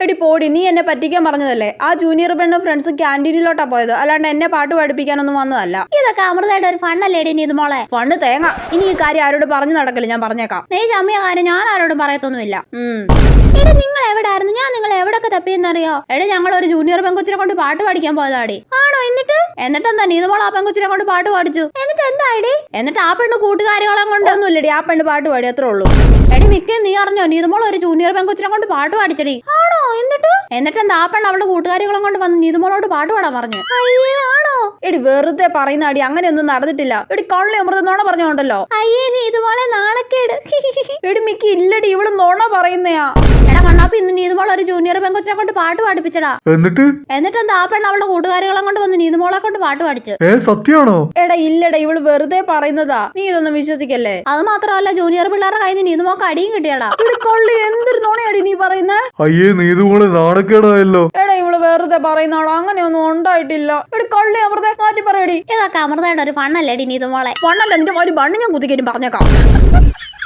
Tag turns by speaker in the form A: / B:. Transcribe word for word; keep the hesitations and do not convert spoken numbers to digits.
A: എടി പോടി, നീ എന്നെ പറ്റിക്കാൻ പറഞ്ഞതല്ലേ? ആ ജൂനിയർ പെണ്ണും ഫ്രണ്ട്സും ക്യാൻറ്റീനിലോട്ടാ പോയത്, അല്ലാണ്ട് എന്നെ പാട്ട് പഠിപ്പിക്കാനൊന്നും വന്നതല്ല.
B: ഇതൊക്കെ അമൃതയുടെ ഒരു ഫണ്ണല്ലേടി നീ ഇത് മോളെ?
A: ഫണ്ണ് തേങ്ങ. ഇനി ഈ കാര്യം ആരോട് പറഞ്ഞു നടക്കില്ല, ഞാൻ പറഞ്ഞേക്കാം.
B: നീ ചമ്മിയ കാര്യം ഞാൻ ആരോടും പറയത്തൊന്നുമില്ല. എടി നിങ്ങൾ എവിടായിരുന്നു? ഞാൻ നിങ്ങൾ എവിടൊക്കെ തപ്പിയെന്നറിയോ? എടി ഞങ്ങൾ ഒരു ജൂനിയർ പെങ്കൊച്ചിനെ കൊണ്ട് പാട്ട് പഠിക്കാൻ പോയതാടി. ആണോ? എന്നിട്ട് എന്നിട്ട് എന്താ നീ മോൾ ആ പെങ്കൊച്ചിനെ കൊണ്ട് പാട്ട് പാടിച്ചു? എന്നിട്ട് എന്താടി? എന്നിട്ട് ആ പെണ്ണ് കൂട്ടുകാരികളെ കൊണ്ടൊന്നുമില്ലടി, ആ പെണ്ണ് പാട്ട് പാടി, അത്രേ ഉള്ളൂ. എടി മിക്ക നീ അറിഞ്ഞോ നീതുമോൾ ഒരു ജൂനിയർ പെങ്കൊച്ചിനെ കൊണ്ട് പാട്ട് പാടിച്ചടി? ആണോ? എന്നിട്ട് എന്നിട്ട് എന്താ ആ പെണ്ണ് അവളുടെ കൂട്ടുകാരികളെ കൊണ്ട് വന്ന് നീതുമോളോട് പാട്ട് പാടാൻ പറഞ്ഞു. അയ്യേ ആണോ?
A: എടി വെറുതെ പറയുന്ന അടി, അങ്ങനെയൊന്നും നടന്നിട്ടില്ല. എടി കള്ളി അമൃത നോണ പറഞ്ഞോണ്ടല്ലോ.
B: അയ്യേ നീ ഇതുപോലെ നാണക്കേട്.
A: എടി മിക്ക ഇല്ലടി, ഇവള് നോണ പറയുന്നയാ.
B: എടാ കണ്ണാപ്പി, ഇന്ന് നീതുമോൾ ഒരു ജൂനിയർ പെങ്കൊച്ചിനെ കൊണ്ട് പാട്ട് പാടിപ്പിച്ചടാ.
C: എന്നിട്ട്
B: എന്നിട്ട് എന്താ ആ പെണ്ണ് അവളുടെ കൂട്ടുകാരികളെ കൊണ്ട് വന്ന് നീതുമോളെ കൊണ്ട് പാട്ട് പാടിച്ചു.
C: ഏ സത്യാണോ?
A: എടാ ഇല്ലടാ, ഇവള് വെറുതെ പറയുന്നതാ, നീ ഇതൊന്നും വിശ്വസിക്കല്ലേ.
B: അത് മാത്രമല്ല ജൂനിയർ പിള്ളേരുടെ കയ്യിൽ നിന്ന് നീതുമോക്ക് അടിയും കിട്ടിയടാ.
A: എടി കള്ളി, എന്തൊരു നോണയടി നീ പറയുന്നേ?
C: അയ്യേ നീതുമോളെ നാണക്കേടായല്ലോ.
A: എടാ ഇവള് വെറുതെ പറയുന്നാടോ, അങ്ങനെയൊന്നും ഉണ്ടായിട്ടില്ല. എടി കള്ളി അമൃത മാറ്റി പറയടി.
B: ഇതൊക്കെ അമൃതയുടെ ഒരു ഫണ്ണല്ലേടി നീതുമോളെ?
A: ഫണ്ണല്ല, നിന്റെ ഒരു ബണ്ണ് ഞാൻ കുത്തിക്കേറ്റും പറഞ്ഞേക്കാം.